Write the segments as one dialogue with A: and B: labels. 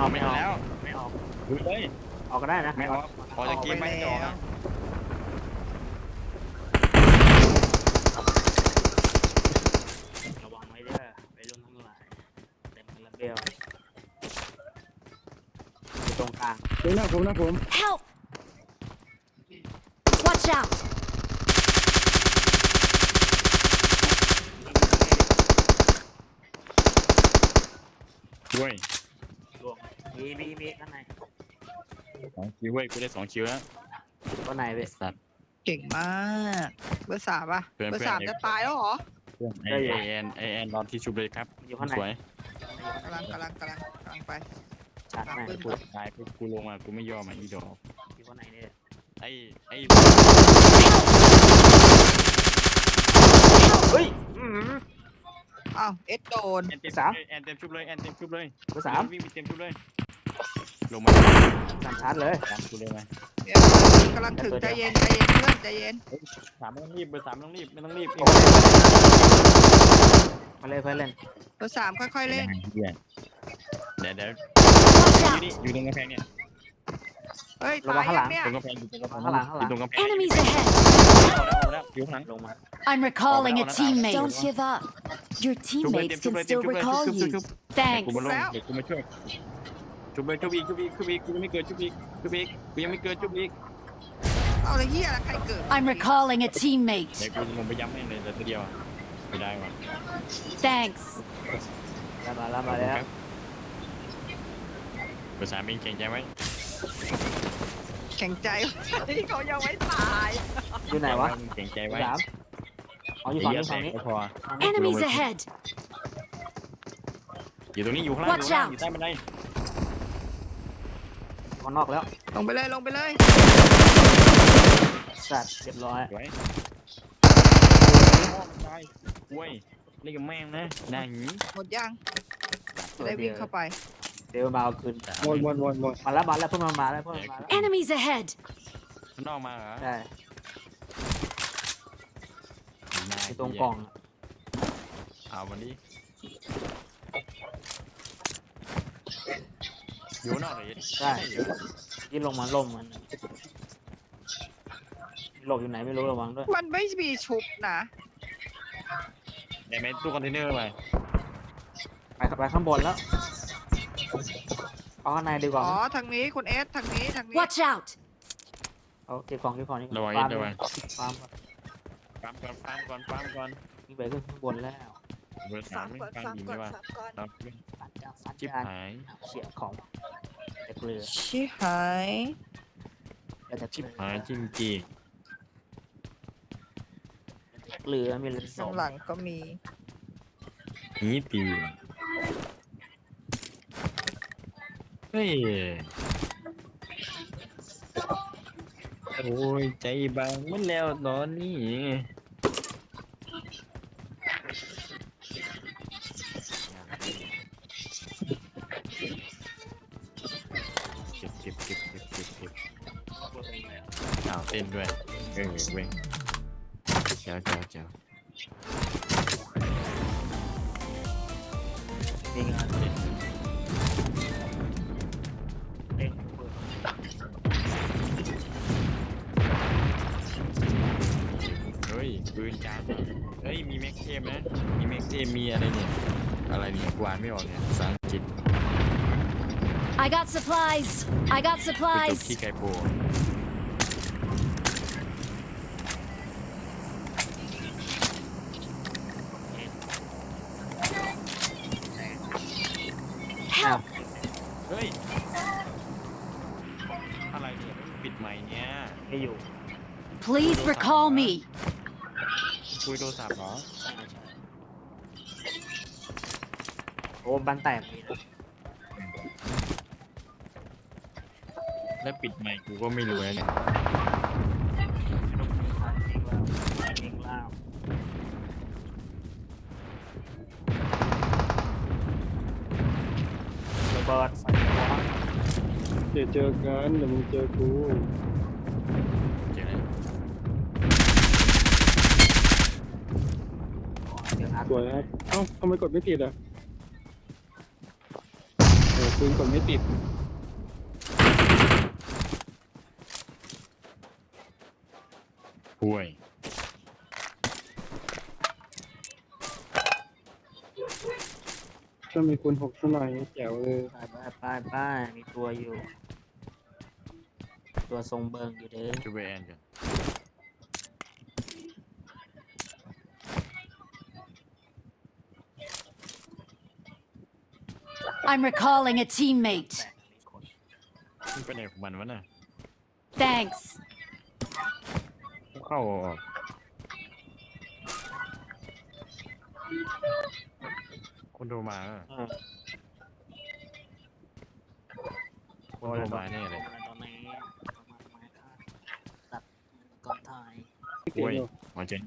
A: ออก
B: ไม่
A: ไม่อ
B: เอา
A: อก
B: แล้ว
A: ไม่ออก
B: ดูเลย
A: ออกก็ได้นะ
B: ไม่ออกออกจากเกมไม่ออกนะ
A: ระวังไว้เด้อไปรุ่นทั้งหลายเต็มระเบียวอยู่ตรงกลาง
C: ผม
D: Help! Watch out!
B: ด้วย
A: รวมมีข้างใน
B: 2 คิวเว้ยกูได้2 คิวแล้ว
A: ข้างในเว้ย
B: สัตว์
E: เก่งมากเบอร์สามป่ะ
B: เพื่อน
E: เบอร์
B: เพื่อน
E: สามจะตายแล้วเหรอ
B: ไอแอนรอนที่ชุบเลยครับ
A: อยู่ข้างใน
B: สวย
E: กำลังไป
A: ชาร์จใน
B: กูตายปุ๊บกูลงมากูไม่ยอมอีดอก
A: อยู่ข้างในนี่
B: ไอ้
A: เฮ้ย
E: อ้าวเอ็ดโดน
B: แอนเต็มชุบเลยแอนเต็มชุบเลย
A: เบอร์สาม
B: วิ่งไปเต็มชุบเลยลงมา
A: สามชาร์จเลย
B: ตามกูเลยไหม
E: เดี๋ยวกำลังถึงใจเย็นเพื่อนใจเย็น
B: 3ไม่ต้องรีบเบอร์ 3ไม่ต้องรีบไม่ต้องรีบ
A: มาเลยเพื่อนเล่น
E: เบอร์สามค่อยๆเล่น
B: เดี๋ยว
D: Watch
B: อยู่
D: out!
B: นี่อยู่ตรงกำแพงเนี่ย
E: เฮ้ยตายยังเนี่ย
B: ตรงกำแพงอยู่ตรงกำแพง
A: ข้างหลัง
B: อยู่ตรงกำแพง
D: Enemies ahead!
B: แล้วอยู่ข้างหลัง
A: ลงมา
D: I'm recalling a
B: Oh, no, no, no.
D: teammate. Don't give up. Your teammates can still recall you.
B: กู
D: Thanks.
B: มาลงเดี๋ยวกูมาช่วยชุบเลยชุบอีกกูยังไม่เกิดชุบอีกกูยังไม่เกิดชุบอีก
E: เอาเลยเฮียแล้วใครเกิด
D: I'm recalling a
B: เดี๋ยว
D: teammate.
B: กูลงไปย้ำแม่งเลยแต่ตัวเดียวไม่ได้ว่ะ
D: Thanks.
A: แล้วมาแล้ว
B: เบอร์ 3เองเก่งใจไหม
E: แข็งใจที่เขายังไม่ตาย
A: อยู่ไหนวะ
B: เก่งใจ
A: เบอ
B: ไว้
A: ร์สามอ๋ออยู่ฝั่งนี้
B: พอ
D: Enemies ahead.
B: อยู่ตรงนี้อยู่ข้างล่าง
D: Watch
B: อยู่ใต้บันได
A: ข้างนอกแล้ว
E: ลงไปเลย
A: สัตว์เรียบร้อย
B: สวยตายกล้วยเล่นกับแม่งนะหน้าหี
E: หมดยังจะได้วิ่งเข้าไป
A: เดี๋ยวมาเอาคืน
C: วน
A: มาแล้วเพิ่งมาแล้ว
D: Enemies ahead.
B: มันนอกมาเหรอ
A: ใช่อยู่ตรงกล่อง
B: เอาวันนี้อยู่นอกเลย
A: ใช่ที่ลงมาล่มมันหลบอยู่ไหนไม่รู้ระวังด้วย
E: มันไม่มีชุบนะ
B: ได้ไหมตู้คอนเทนเนอร์ไป
A: ไปข้างบนแล้วเอาข้างในดีกว่า
E: อ๋อทางนี้คุณเอสทางนี้
D: Watch out.
A: เอาเก็บของนี่
B: ระวัง
A: ฟาร์ม
B: ระวัง
A: ฟาร์ม
B: ปั๊มก่อน
A: นี่ไปขึ้นข้างบนแล้ว
B: เบอร์ 3ไม่ฟังดีไหมว่าครับ
A: ฟันจ้าฟัน
B: ชิบ
A: จ้า
B: หาย
A: เขี่ยของแต่เกลือ
E: ชิหาย
A: แต่เก
B: ชิบ
A: ลือ
B: หายจริงจริง
A: เกลือมีเลนส
E: ข้า
A: อง ง
E: หลังก็มี
B: นี่ตีเฮ้ยโอ้ยใจบางมันแล้วตอนนี้เก็บอ้าวเต้นด้วยเว้ยเจ้า
A: มีงานเด้ง
B: เฮ้ยปืนจานเฮ้ยมีแม็กเทมนะมีแม็กเทมมีอะไรเนี่ยกวาดไม่ออกเนี่ยภาษาอังกฤษ
D: I got supplies. I got
B: ไปจบ
D: supplies.
B: ที่ไกโปร
D: Help.
B: เฮ้ยอะไรเนี่ยปิดไมค์เนี่ย
A: ไม่อยู่
D: Please recall me.
B: คุยโทรศัพท์เหรอ
A: โอ้บันแตกมีนะ
B: แล้วปิดไมค์กูก็ไม่รู้แล้วเนี่ย
A: ยิงล่าวระเบิดใส่หัว
C: เดี๋ยวเจอกันเดี๋ยวมึงเจอกู
B: เจอแล้ว
A: เดี๋ยวอัด
C: สวยครับเอ้าทำไมกดไม่ติดอ่ะโอเคปืนกดไม่ติด
B: ห่วย
C: ถ้ามีคุณ6 สักหน่อยแจ๋วเลย
A: ไปมีตัวอยู่ ตัวทรงเบิงอยู่เด้อ
B: จูเบแอนกัน
D: I'm recalling a teammate.
B: มันเป็นไหนของมันวะน่ะ
D: Thanks.
B: เข้าออกคนโทรมาอะคนโทรมาแน่เลย
A: ตอนนี้ตัดก่อนถ่าย
C: ไม่เก่ง
B: ห่วย
C: หรอก
B: มาเจน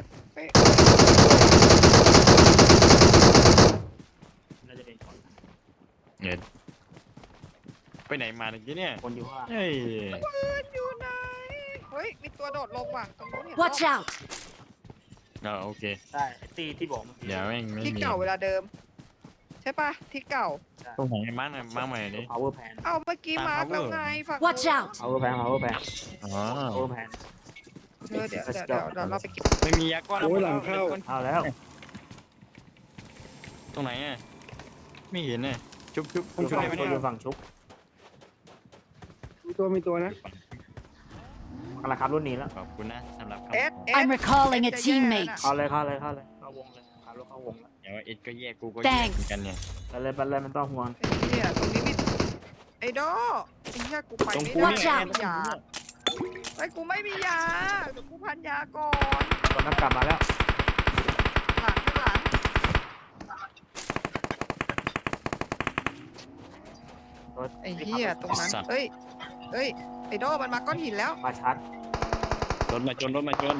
A: เราจะเป็นคน
B: เงินไปไหนมาเมื่อกี้เนี่ย
A: คนอยู่ว่า
B: เฮ้ย
E: ปืนอยู่ไหนเฮ้ยมีตัวโดดลงว่ะตรงนู้นเห็น
D: Watch
E: ปะ
D: out.
B: โอเค
A: ใช่ตีที่บอกเมื่อกี้
B: เดี๋ยวแม่งไม่
E: ที่
B: มี
E: เก่าเวลาเดิม ใช่ปะที่เก่า
B: ตรงไหนมาร์กหน่อยมาร์กใหม่ดิ
A: power pan
E: เอาเมื่อกี้
B: ตาม
E: มาร์ก
B: power
E: แล้วไงฝั่ง
D: Watch out.
A: power pan power pan
B: อ๋อ
A: power pan
E: เดี๋ยวเราไปเก็บ
B: ไม่มียาก้อน
C: โอ้ยหลังเข้า
A: เอาแล้ว
B: ตรงไหนอ่ะไม่เห็นเนี่ยชุบ
A: คน
B: ชุบ
A: ฝั่ง
B: ได้ไหม
A: คน
B: เนี่
A: อย ยู่ฝั่งชุบ
C: มีตัวนะ
A: กำลังขับรุ่นนี้แล้ว
B: ขอบคุณนะสำหรับคำ
E: เอส
D: I'm recalling a
E: จะแย่
D: teammate.
E: น่ะ
A: เข้าเลยเข้าวงเลยขับรถเข้าวงแล้ว
B: เดี๋ยวเอ็ดก็แยกกูก็แยกเหมือนกันเนี่ย
A: ไปเลยมันต้องห่วง
E: ไอ้เนี่ยตรงนี้มีไอ้ดอไอ้เหี้ยกูไปไม่
B: ตรง
E: ได้
B: กู
D: Watch out
E: ยาไอ้กูไม่มียาเดี๋ยวกูพันยาก่อน
A: ตอนนั้นกลับมาแล้ว
E: หลังข้างหลัง ไอ้เหี้ยตรงนั้นเฮ้ยไอ้ดอมันมาก้อนหินแล้ว
A: มาชัด
B: รถมาจน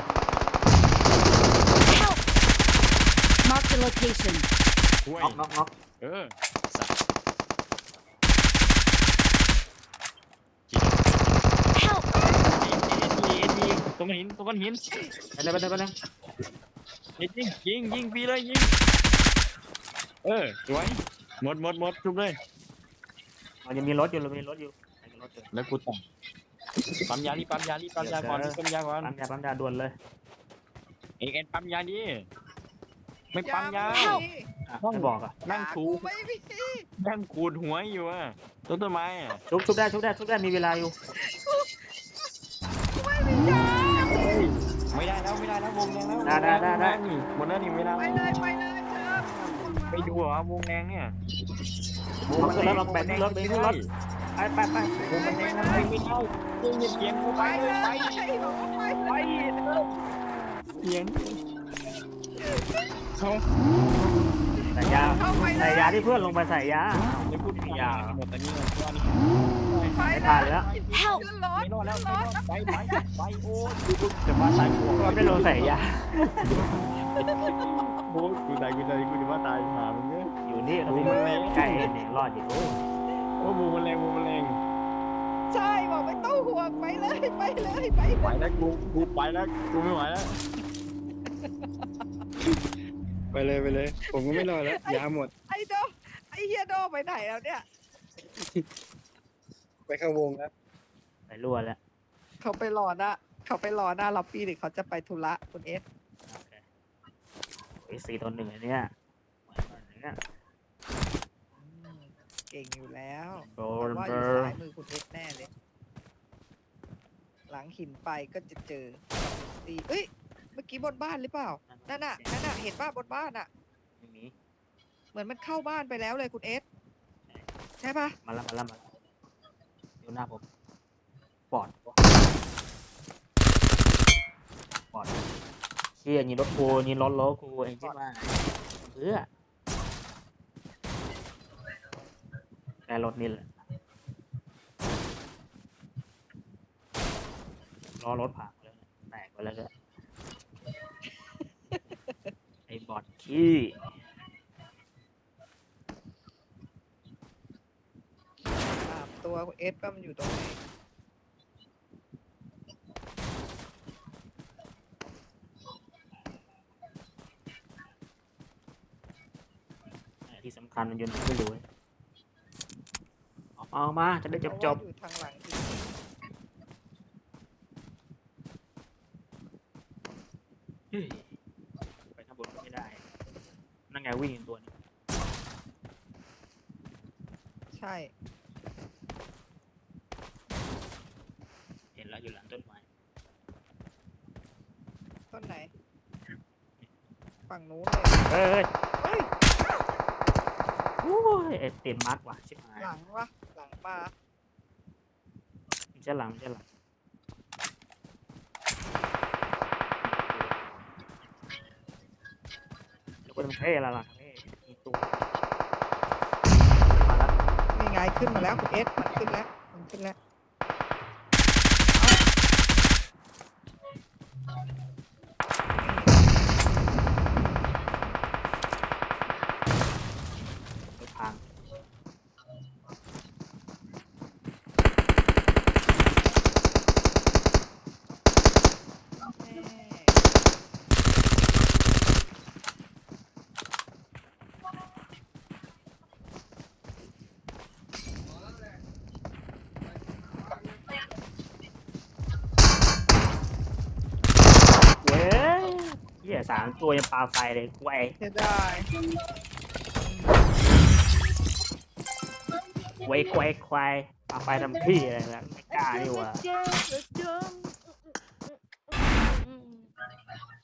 D: Help. Mark the location.
B: ห่วย
A: น็อก
B: สัตว์
D: Help.
B: เอ็ดดีตรงหิน
A: ไปเลย
B: เอ็ดยิงปีเลยยิงสวยหมดทุบเลย
A: มันยังมีรถอยู่
B: แล้วกูต่อปั๊มยาก่อนปั๊มยาก่อน
A: ปั๊มยาด่วนเลย
B: เอ็ดปั๊มยาดิไม่ปั๊มยา
D: Help
A: ไม่บอกอ่ะ
B: นั่งถู
E: กูไม่มี
B: นั่งขูดหัวอยู่อ่ะต้นไม้อ่ะ
A: ชุบได้มีเวลาอยู่
E: กูไม่มียา
B: ไม่ได้แล้ววงแดงแล้ว
A: ได้
B: หมดแล้วนี่ไม่ได้
E: ไปเลยเธอ
B: ไปดูเหรอวงแดงเนี่ย
A: เอาขึ้นรถเราแบกขึ้นรถไป
B: วงมันแดงไม่ได้เสียงกู
E: ไป
B: ไป
E: เล
B: เลย ย
E: บอกว่าไป
B: ไปเสียงเขา
A: ใส่ยาที่เพื่อนลงไปใส่ยา
B: ไม่พูดยาหมดตอนนี้ว่านี่
E: ไป
A: ไม่ทันแล้ว
D: Help.
E: ขึ้นรถ
B: ไม่รอดแล้วไปโอ้จะมาตายหัว
A: เราไม่ลงใส่ยา
B: โอ้กูตายกูจะว่าตายหามึงเนี่ย
A: อยู่นี่เราใกล้เนี่ยรอดอยู่
B: โอ้บูมันแรง
E: ใช่บอกไม่ต้องห่วงไปเลย
B: ไปแล้วกูไปแล้วกูไม่ไหวแล้ว
C: ไปเลย ผมก็ไม่รอแล้วยาหมด
E: ไอ้โดไอ้เฮียโดไปไหนแล้วเนี่ย
C: ไปเข้าวงแล้ว
A: ไปรั่วแล้ว
E: เขาไปรอหน้าล็อบบี้หรือเขาจะไปธุระคุณเอส
A: 4-1อันเนี้ย
E: เก่งอยู่แล้ว
A: โด
E: ว่าอยู่ซ้ายมือคุณเอสแน่เลย หลังหินไปก็จะเจอตีเอ้ย เมื่อกี้บนบ้านหรือเปล่า นั่นน่ะ เห็นป่ะบนบ้านอ่ะ
A: ไม่มี
E: เหมือนมันเข้าบ้านไปแล้วเลยคุณเอส ใช่ป่ะ
A: มาแล้วอยู่หน้าผมปอดเชี่ยยิงรถกูยิงรถกูเองใช่ไหมเพื่อแกรถนี่แหละล้อรถผ่านเลยแตกไปแล้วก็ ไอ้บอดขี้
E: ตัวคุณเอสว่ามันอยู่ตรงไหน
A: ที่สำคัญมันอยู่ไหนไม่รู้เอามาจะได้จบ
E: เพราะว่าอยู่ทางหลังหิน
A: เฮ้ยไปข้างบนก็ไม่ได้นั่นไงวิ่งอีกตัวหนึง
E: ใช่
A: เห็นแล้วอยู่หลังต้นไม้
E: ต้นไหน ฝั่งนู้นเลย
A: เอ้ย
E: เฮ้ย
A: โอ้ยติดมาร์กว่ะชิบหาย
E: หลังวะหลังมา
A: มันจะหลังมันจะหลังแล้วก็มันเท่ละล่ะเท่มีตัวมาแล้ว
E: นี่ไงขึ้นมาแล้วคุณเอสมันขึ้นแล้วมันขึ้นแล้ว
A: ไปทาง
E: แม่
A: เว้ยเหี้ยสามตัวยังปาไฟเลยกูไอ้
E: เสียดาย
A: ไว้ควายควายปาไฟทำขี้อะไรนะไม่กล้านี่หว่า
E: เจ๊